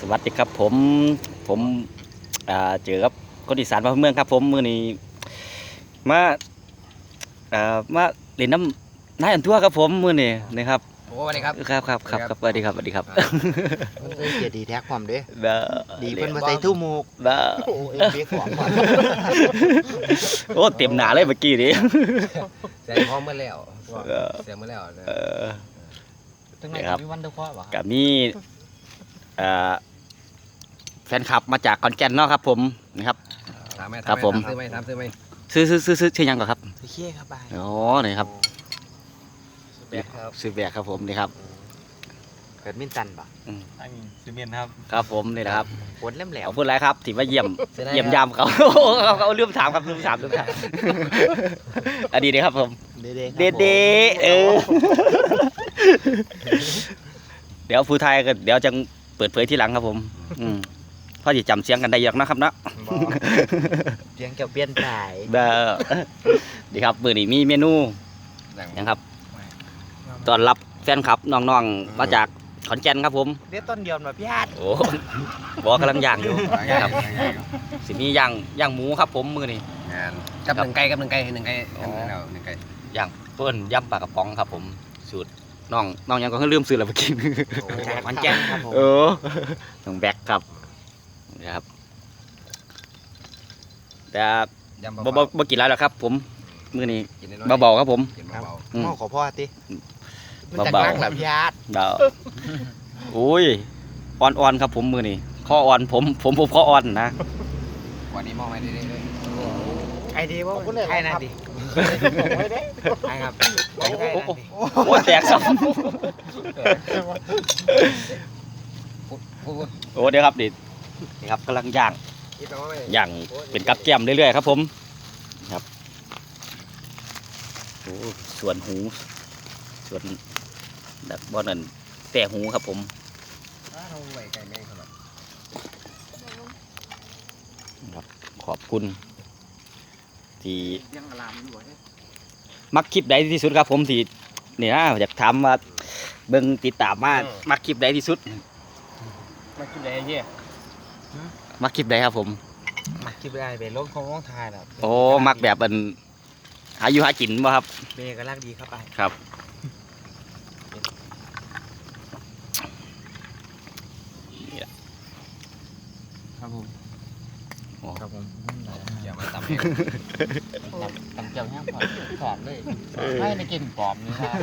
วัสดีครับผมเจอกับคนอีสานบ้านเมืองครับผมมื้อนี้มามาเล่นน้ำนายอันทั่วครับผมมื้อนี้นะครับโอ้สวัสดีครับครับสวัสดีครับสวัสดีครับเกียรดีแท็กความเด้เด้อดีเพิ่นมาใส่ทู่มูกเด้อโอ้เอ็มเบียของมันโอ้เต็มหนาเลยเมื่อกี้นี้เสียงพร้อมเมื่อแล้วเสียงเมื่อแล้วนะจังไงมีวันเดอร์คอร์บ่กับมีแฟนคลับมาจากขอนแก่นเนาะครับผมนะครับถามไหมครับผมซื้อไหมซื้อไหมซื้อยังก่อนครับเชี่ยครับบายอ๋อนี่ครับแบกครับซื้อแบกครับผมนี่ครับเกิดมินตันป่ะอันนี้ซีเมนต์ครับครับผมนี่นะครับปวดเล่มแหลวเอาพูดอะไรครับที่มาเยี่ยมยามเขา เขาลืมถามครับลืมถามอันนี้นะครับผมเด้เด็เดี๋ยวผู้ไทยก็เดี๋ยวจะเปิดเผยที่หลังครับผมพ่อจะจำเสียงกันได้ยังนะครับเนาะเสียงเกี่ยวเปลี่ยนสายเด้อดีครับมื้อนี้มีเมนูนะครับต้อนรับแฟนคลับน้องๆมาจากขอนแก่นครับผมเดี๋ยวต้นเดียวมาพี่ฮัดโอ้บอกกำลังย่างอยู่ครับสิมีย่างหมูครับผมมื้อนี้งานกับหนึ่งไก่หนึ่งไก่หนึ่งไก่ย่างเปิ้นย่ำปลากระป๋องครับผมสูตรน้องยังก็ลืมซื้อแล้วเมื่อกี้จากขอนแก่นครับผมน้องแบกครับนะครับแต่ยำบ่กินแล้วครับ ผมมื้อนี้กินเบาๆครับผมกินเบาอืมหม้อขอพ่อติมันจะเบาๆนั่งหลับพี่ฮัดเบาอุ้ยอ่อนๆครับผมมื้อนี้ข้ออ่อนผมข้ออ่อนนะๆวันนี้มองไปเรื่อยไอเดียว่าใครน่ะดิใครครับโอ้แตกซ้ำๆพูดโอ้เดี๋ยวครับนี่ครับกำลังย่างคิดไปว่าไม่ย่างเป็นกับแก้มเรื่อยๆครับผมครับโอ้ส่วนหูส่วนแบบบ่นั่นแต่หูครับผมเราไหวไก่แม่งขนาดครับขอบคุณที่ยังอลามอยู่เด้มักคลิปใดที่สุดครับผมที่นี่นะอยากถามว่าเบิ่งติดตามมามักคลิปใดที่สุดมากินอะไรเงี้ยมักคลิปใดครับผมมาคิดได้ไปลงของร้องทายแล้วโอ้มักแบบเป็นหาอยู่หากินบ่ครับเบก็รักดีครับไปครับครับผมโอ้ครับผมอย่ามาตำตำเจียวแห้งผอมเลยให้ในกินปอมนี่ครับ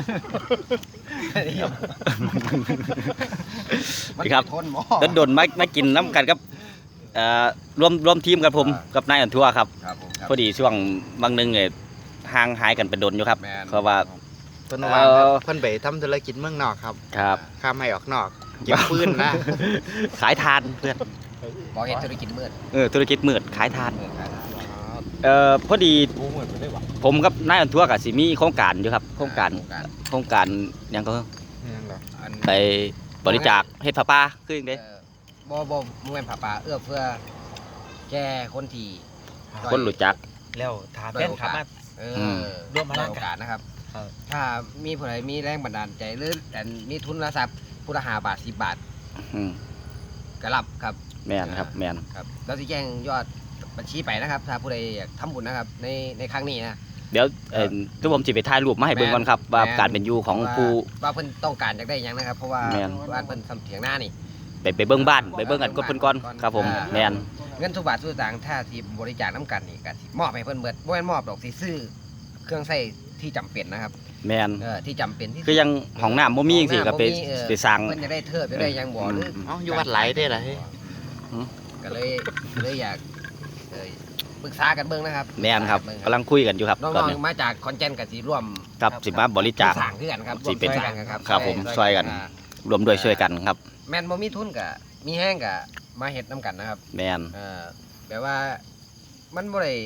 ครับทนหมอต้นดนมากินน้ำกันกับรวมทีมกับผมกับนายอันทั่วครับครับผมครับพอดีช่วงบางหนึงเนี่ยห่างหายกันเป็นดนอยู่ครับแม่นเพราะว่าเพิ่นว่าเพิ่นไปทำธุรกิจเมืองนอกครับครับข้ามให้ออกนอกเก็บปืนนะขายทานเพื่อนบอกเห็นธุรกิจมืดธุรกิจมืดขายทานมืดขายทานพอดีกูเหมือนไปได้หวังผมกับนายอันทั่วกับสิมีโครงการอยู่ครับโครงการหยังก็ยังเหรออันไปบริจาคเฮ็ดผ้าป่าคืออย่างเด้บ่มึงเป็นผาป่าเอื้อเพื่อแก้คนที่ด้อยคนรู้จักแล้วถามแฟนครับมา ร่วมพลังกันโอกาสนะครับครับถ้ามีผู้ใดมีแรงบันดาลใจหรือแต่มีทุนทรัพย์ผู้ละ5 บาท 10 บาทอืมก็รับครับแม่นครับแม่นครับเราจะแจ้งยอดบัญชีไปนะครับ ถ้าผู้ใดอยากทำบุญนะครับในครั้งนี้นะเดี๋ยวทุกผมสิไปถ่ายรูปมาให้เบิ่งก่อนครับว่าการเป็นอยู่ของผู้ว่าเพิ่นต้องการอยากได้หยังนะครับ เพราะว่าแม่นบ้านเพิ่นทำเถียงหน้านี่ไปเบิ่งบ้านไปเบิ่งกันกดเพิ่นก่อนครับผมแม่นเงินทุกบาททุกสตางค์ถ้าที่บริจาคน้ำกันนี่ก็สิมอบให้เพิ่นเบิดบ่แม่นมอบดอกสิซื้อเครื่องใช้ที่จำเป็นนะครับแม่นที่จำเป็นที่คือยังห้องน้ำบ่มีจังซี่ก็ไปห้องน้ำบ่มีไปสร้างเพิ่นจะได้เทิดจะได้หยังบ่หรือเอ้าอยู่วัดไหลได้เหรอเฮ้ยก็เลยอยากปรึกษากันเบิ่งนะครับแม่นครับเงกำลังคุยกันอยู่ครับน้ตอนองนี้ๆมาจากขอนแก่นกับสิร่วมครับสิมาบริจาคสร้างคือกันครับสิเป็นร่วมช่วยกันครับครับผมช่วยกัน รวมด้วยช่วยกันครับแม่นบ่มีทุนก็มีแห้งก็มาเฮ็ดน้ำกันนะครับแม่นแบบว่ามันบ่ได้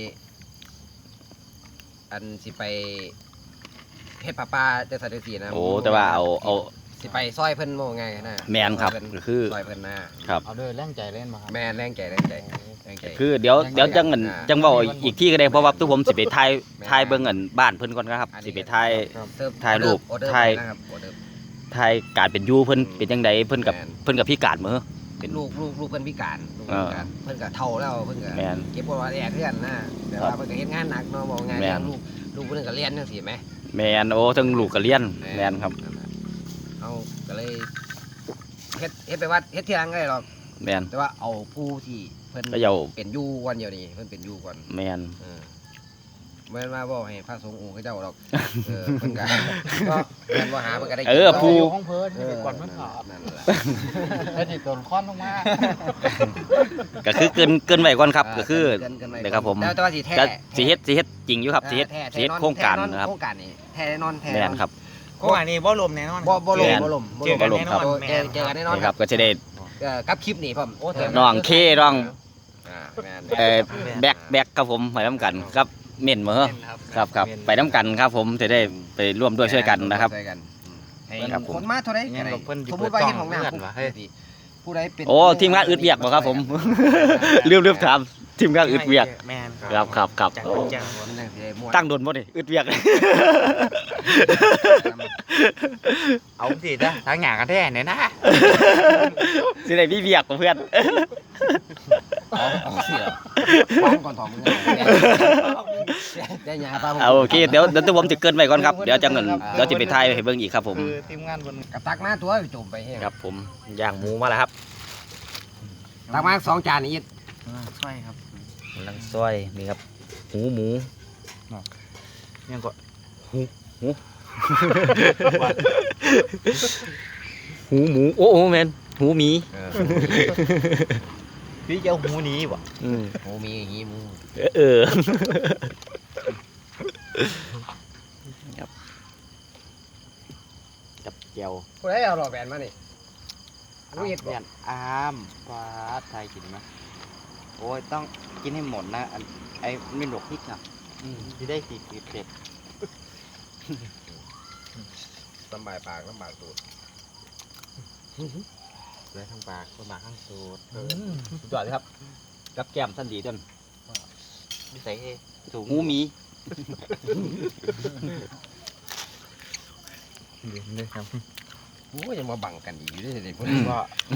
อันสิไปเฮ็ดผ้าป่าจังซั่นจังซี่นะโอ้แต่ว่าเอาสิไปซอยเพิ่นโมง่ายนะแม่นครับซอยเพิ่นคือซอยเพิ่นนะเอาด้วยแรงใจเล่นมาครับแม่นแรงใจแรงใจคือเดี๋ยวจังเงินจังเว้าอีกที่ก็ได้เพราะว่าทุกผมสิไปถ่ายเบิ่งอันบ้านเพิ่นก่อนนะครับสิไปถ่ายเสิร์ฟถ่ายรูปออเดอร์ถ่ายนะครับออเดอร์ถ่ายการเป็นอยู่เพิ่นเป็นจังไดเพิ่นกับพี่การมื้อเป็นลูกเพิ่นพิการลูกเพิ่นพิการเพิ่นก็เฒ่าแล้วเพิ่นก็แม่นเก็บบ่ว่าแย่เพื่อนนะแต่ว่าเพิ่นก็เฮ็ดงานหนักเนาะบอกงานแม่เลี้ยนงลูกเพิ่นก็เรียนจังซี่แหมแมนโอ้ทั้งลูกก็เรียนแมนครับเอาก็เลยเฮ็ดไปว่าเฮ็ดที่หลังก็ได้หรอกแมนแต่ว่าเอาผู้ที่เพิ่นก็เยาเป็นอยู่ก่อนเดียวนี้เพิ่นเป็นอยู่ก่อนแมนแม่นว่าบ่ให้พระสงฆ์องค์เขาเจ้าหรอกเพิ่นก็ก็แม่นว่าหาเพิ่นก็ได้ผู้อยู่ห้องเพิ่นที่ไปก่อนมันขาดนั่นแหละแล้วนี่ตัวค้อนลงมาก็คือเกินไว้ก่อนครับก็คือเกินไปเดี๋ยวครับผมแต่ว่าสิแท้จะสิเฮ็ดจริงอยู่ครับสิเฮ็ดแท้สิเฮ็ดโครงการนะครับโครงการนี่แท้แน่นอนแท้แมแน่นอนนครับก็อันนี้บ่ลมแน่นอนบ่ลแม่มนบ่ลมเจอกันแน่นอนเจอกันแน่นอนนี่คครัรับบก็จะได้กับคลิปนี้ผมโอ้น้องเคน้องแม่นแบกครับผมไปน้ำกันครับเม่นเหมือครับไปน้ำกันครับผมจะได้ไปร่วมด้วยช่วยกันนะครับช่วยกันให้ครับผมคนมาเท่าไรยังเพิ่นสมมติว่าเห็นของน้ำเพิ่นว่าเฮ้ยผู้ใดเป็นโอ้ทีมงานอึดเวียกบ่ครับผมลืมถามทีมงานอึดเวียกแม่นครับจากคนจังมันจังสิได้ม่วนตั้งโดนบ่นี่อึดเวียกเอาสิจ้ะทางหยากันแท้เนี่ยนะสิได้มีเวียกกับเพื่อนเอาเสียฟ้องก่อนถอดมือได้ยาป้าเอาโอเคเดี๋ยวตัวผมจะเกินไปก่อนครับเดี๋ยวจะเงินเดี๋ยวจะไปถ่ายให้เบิ่งอีกครับผมคือทีมงานบนกระตักมาตัวไปจุ่มไปให้ครับผมย่างหมูมาแล้วครับตักมา2 จานนี่ช่วยครับกำลังซอยนี่ครับหมูยังก็หูหมูโอ้แมนหูหมีพี่เจ้าหูนี้บ่หมูมีอย่างงี้หมูกับเจียวผู้ใดเอาหล่อแบนมานี่รู้เห็ดบ่อามฟ้าไทยกินไหมโอ้ยต้องกินให้หมดนะไอ้ไม่หลกพริกอ่ะที่ได้สีเผ็ดลำบากปากลำบากตูดเลยทั้งปากทั้งปากทั้งสูดสุดยอดเลยครับกับแก้มสั้นดีต้นนิสัยสูงหูหมีเลยครับโอ้ยยังมาบังกันอีกอยู่ด้วยสิพวกก็นี้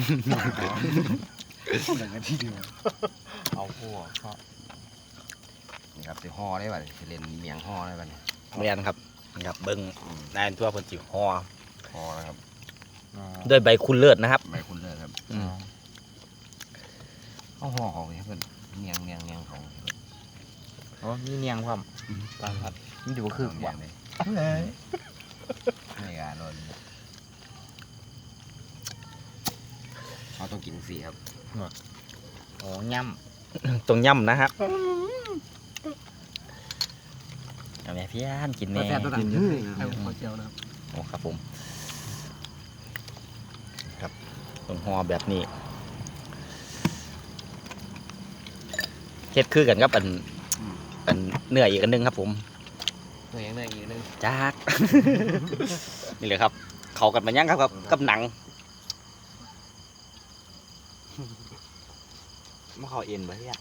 แบ่งกันที่เดียวเอาพวกก็นี่ครับสิห่อได้ป่ะสิเล่นเมียงห่อได้ป่ะเนี่ยเรียนครับนี่ครับเบิ้งนายทั่วเพิ่นสิห่อห่อนะครับด้วยใบคุณเลิศนะครับใบคุณเลยครับเอาห่อของเพื่อนเมียงของอ๋อมีเนียงความตามครับนี่ดูคือเมีว่ายงเลยไม่กล้าโดนเขาต้องกินสีครับโอ้ย่ตรงย่ำนะครับเอาแม่พี่อันกินแม่แซ่บตัวนั้นเยอะเลยครับขอเจียวนะครับโอ้ครับผมครับตรงห่อแบบนี้เฮ็ดคือกันครับอันเนื้ออีกอันหนึงครับผมตัวเองได้อีกนึงจาก นี่เลยครับ เขากันมายังครับกับหนังำมาเขาเอ็นไปที่อ่ะ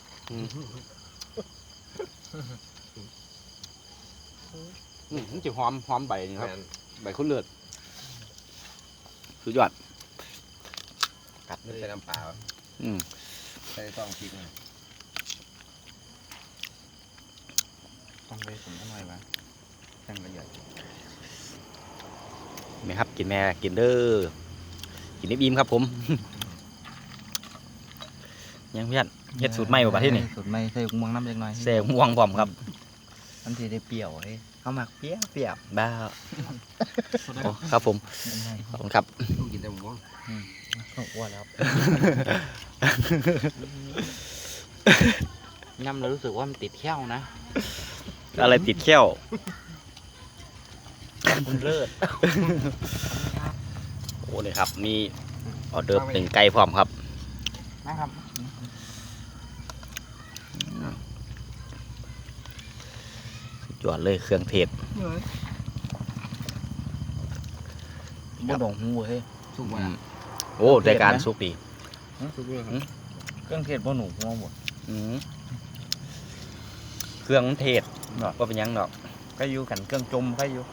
มันจะหอมใบนี่ครับใบข้าวเลือดสุดยอดกัดไม่ใช่น้ำเปล่าอืมใส่ต้องพริกนะต้องไปสมกันหน่อยมั้ยจังละเอียดแม่ครับกินแม่กินเด้อกินนิบอิ่มครับผม ยังเพื่อนเฮ็ดสูตรใหม่บ่ประเทศนี่สูตรใหม่ใส่กุ้งมังน้ำเล็กน้อยแซ่ม่วงพร้อมครับมันสิได้เปรี้ยวเฮ้ยเขาหมักเปรี้ยวบ้าโอ้ครับผมขอบคุณครับต้องกินแต่หมูอ้วนแล้วน้ำเรารู้สึกว่ามันติดแข้วนะอะไรติดแข้วคุณเลิศโอ้นี่ครับมีออเดิร์ฟหนึ่งไก่พร้อมครับนะครับสุดยอดเลยเครื่องเทศบ่ดองหูเฮ้ยสุกอืว่ะมโอ้รายการสุกดีเครื่องเทศบ่หนูหัวหมดอืมเครื่องเทศก็เป็นหยังดอกก็อยู่กันเครื่องจมก็อยู่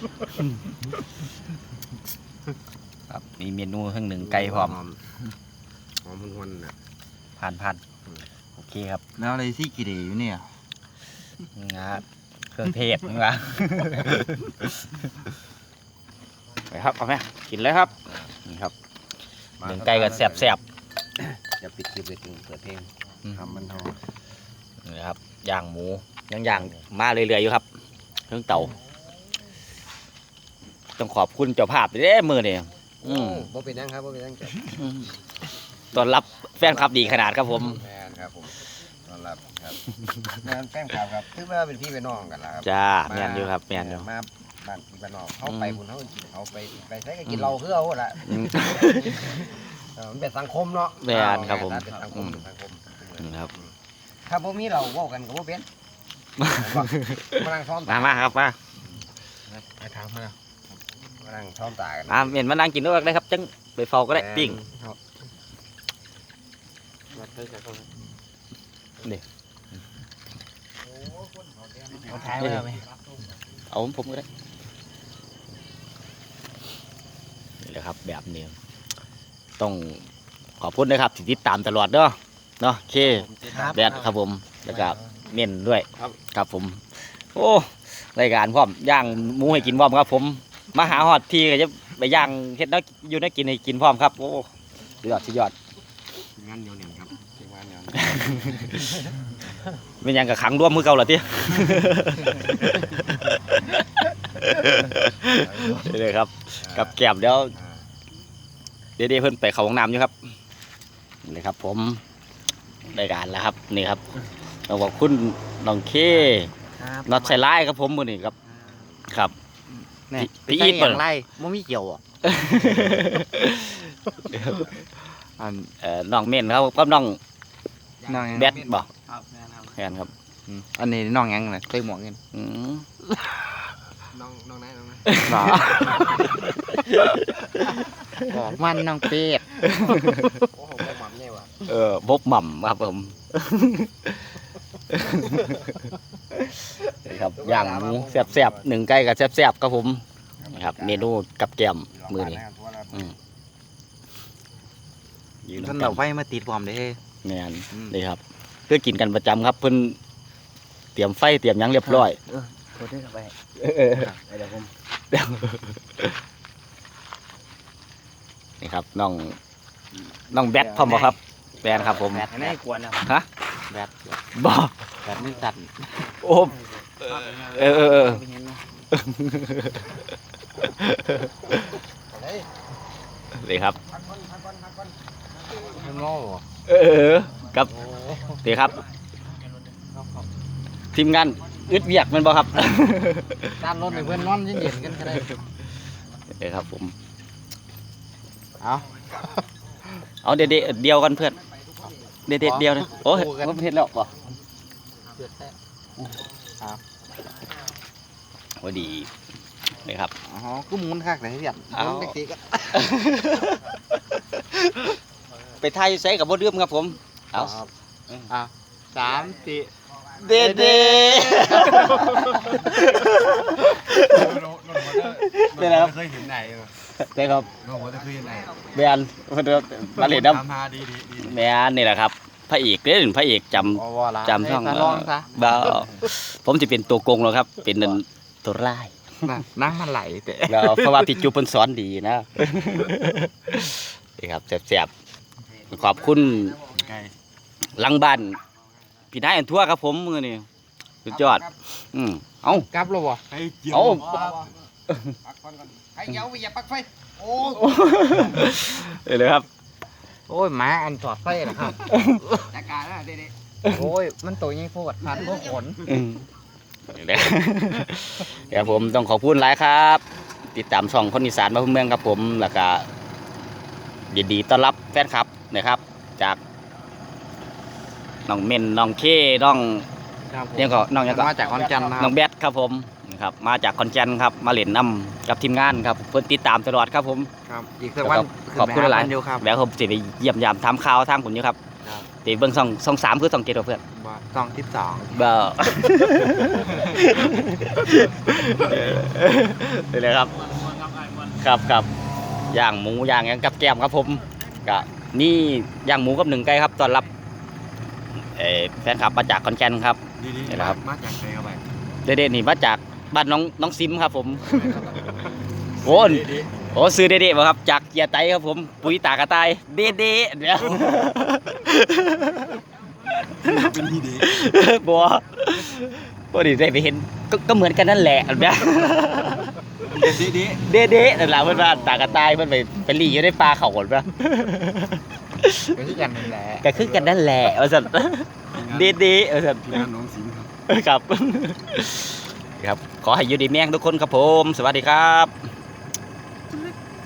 ครับมีเมนูหนึ่งไก่พร้อมอมหวนๆนะผ่านโอเคครับแล้วอะไรที่กี่เดย์อยู่เนี่ยงาเครื่องเทศนะไปครับเอาไหมกินเลยครับนี่ครับหนึ่งไก่กับแซ่บจะปิดคลิปเลยถึงเปิดเพลงๆทำมันทอนี่ครับย่างหมูยังย่างมาเรื่อยๆอยู่ครับเครื่องเตาต้องขอบคุณเจ้าภาพเด้มือนี่บ่เป็นยังครับบ่เป็นยังต้อนรับแฟนคลับดีขนาดครับผมแมนครับผมต้อนรับครับแมนแฟนคลับครับถือว่าเป็นพี่เป็นน้องกันแล้วครับจ้าแม่นอยู่ครับแม่นอยู่มาบ้านพี่บ้านน้องเขาไปคุณเขากินเขาไปใช้ก็กินเราคือเอาละอืมมันเป็นสังคมเนาะแม่นครับผมเป็นสังคมเป็นสังคมครับถ้าบ่มีเราเว้ากันก็บ่เป็นมานั่งซ้อมมาครับมาไปถามมาแล้วมานั่งซ้อมตากันเห็นมานั่งกินด้วยได้ครับจังไปเฝ้าก็ได้ปิ้งครับเอาท้ายไว้เอาไหมเอาผมก็ได้นี่แหละครับแบบนี้ต้องขอบคุณนะครับที่ติดตามตลอดเนาะโอเคแดดครับผมแล้วก็เม่นด้วยครับผมโอ้รายการพร้อมย่างหมูให้กินพร้อมครับผมมาหาฮอดทีก็จะไปย่างเฮ็ดแล้วอยู่ได้กินให้กินพร้อมครับโอ้สุดยอดงานเหนียวเหนียวครับงานเหนียวเป็นหยังกับขังร่วมมือเก่าเหรอที่เลยครับกับแก้มเดี๋ยวเดี๋ยวเพิ่นไปเข้าห้องน้ำอยู่ครับนี่ครับผมรายการแล้วครับนี่ครับเราบอกคุณน้องเคน็อตใส่ไล่ครับผมมือนี่ครับครับนี่พี่อีทเปิดไล่ไม่มีเกี่ยวอ่ะน้องเม่นครับกับน้องน้องแบทบอกครับแม่นครับแทนครับอันนี้น้องยังไงใส่หมวกเงินอืมน้องไหนหรอบอกมันน้องเป็ดโอ้โหบ่หม่ำเนี่ยว่ะบหม่ำครับผมนี่ครับย่างหมูแซ่บๆหนึ่งไก่กับแซ่บๆครับผมนี่ครับเมนูกับแก้มมือนี่ยืนท่านกัเรานไฟมาติดความเด้แม่นนี่ครับเพื่อกินกันประจำครับเพิ่นเตรียมไฟเตรียมหยังเรียบร้อยโทษด้วยครับไปเดี๋ยวผมนี่ครับน้องแบทพร้อมบ่ครับแบทครับผมแบตอันนี้กวนนะฮะแบตบ่แบตมือสั่นโอ้เออนี่ครับมันโง่กับเดี๋ยวครับ ทีมงานอึดเวียกแมันบ่ครับด้านรถเพื่อนนอนเย็นๆกันก็ได้เดี๋ยวครับผมเอาเอาเดียวกันเพื่อนเดียวนะโอ้ยผมเห็นแล้วบ่โอ้ดีนี่ครับอ๋อกูหมุนคักเลยเพี้ยนเอาหมุนเด็กๆก็ไปไทยใส่กับบ่ดื่มครับผมเอาเอา3 4 เด็ดเป็นไรครับเคยเห็นไหนได้ครับน้องว่าจะเคยเห็นไหนแมนมาเล่นน้ทำมาดีำแมนนี่แหละครับพระเอกเด้อพระเอกจำอ๋อว่าละจำช่องให้ลองซะบ่ผมจะเป็นตัวโกงแล้วครับ เป็นตัวร้ายนั่งมันไหลแต่แล้วเพราะว่าพี่จูเพิ่นสอนดีนะนี่ครับแซ่บๆขอบคุณไก่หลังบ้านพี่นายอันทั่วครับผมมื้อนี้สุดยอดเอ้ากลับแล้วบ่ไก่เจียวเอ้าปักก่อนใครเยาไปอย่าปักไฟโอ้เลยครับโอ้ยหมาอันจอดไฟนะครับจัดการนะเด็ดโอ้ยมันตัวยิ่งโคตรพันพวกขนนี่แหละเดี๋ยวผมต้องขอบคุณหลายครับ ติดตามช่องคนอีสานบ้านเมืองครับผมแล้วก็ยินดีต้อนรับแฟนคลับนะครับ จากน้องเม่นน้องเคน้องยังก็น้องยังก็มาจากคอนจันทร์นะคน้รัอบ งแบทครับผมนะครับมาจากคอนแกนครับมาเล่นน้ำกับทีมงานครับเพื่อนติดตามตลอดครับผมครับอีกสักวันขอบคุณหลายเดียวครับแล้วผมจะไปเยี่ยมยามทำข่าวทางผมอยู่ครับครับตีเบิ้งช่อง3คือช่อง7เพื่อนซองที่สองเบอร์นี่เลยครับครับย่างหมูย่างหยังกับแก้มครับผมกะนี่ย่างหมูกับหนึ่งไก่ครับต้อนรับแฟนคลับมาจากขอนแก่นครับดีนี่แหละครับมาจากไหนเข้าไปเด็ดๆนี่มาจากบ้านน้องซิมครับผมโอ้โหซื้อเด็ดๆมาครับจากเกียร์ไตครับผมปุ๋ยตากระต่ายเด็ดๆเดี๋ยวเป็นที่ดีบัวบัวดิได้ไปเห็นก็เหมือนกันนั่นแหละแบบดีเด็ดๆนั่นแหละเพื่อนว่าตากระต่ายเพื่อนไปหลีอยู่ในปลาเขาก่อนปะก็ที่กันนั่นแหละก็คือกันนั่นแหละเอาสันเด็ดๆเอาสันพี่งานน้องสิงห์ครับครับ ครับ ขอให้อยู่ดีแม่งทุกคนครับผม สวัสดีครับ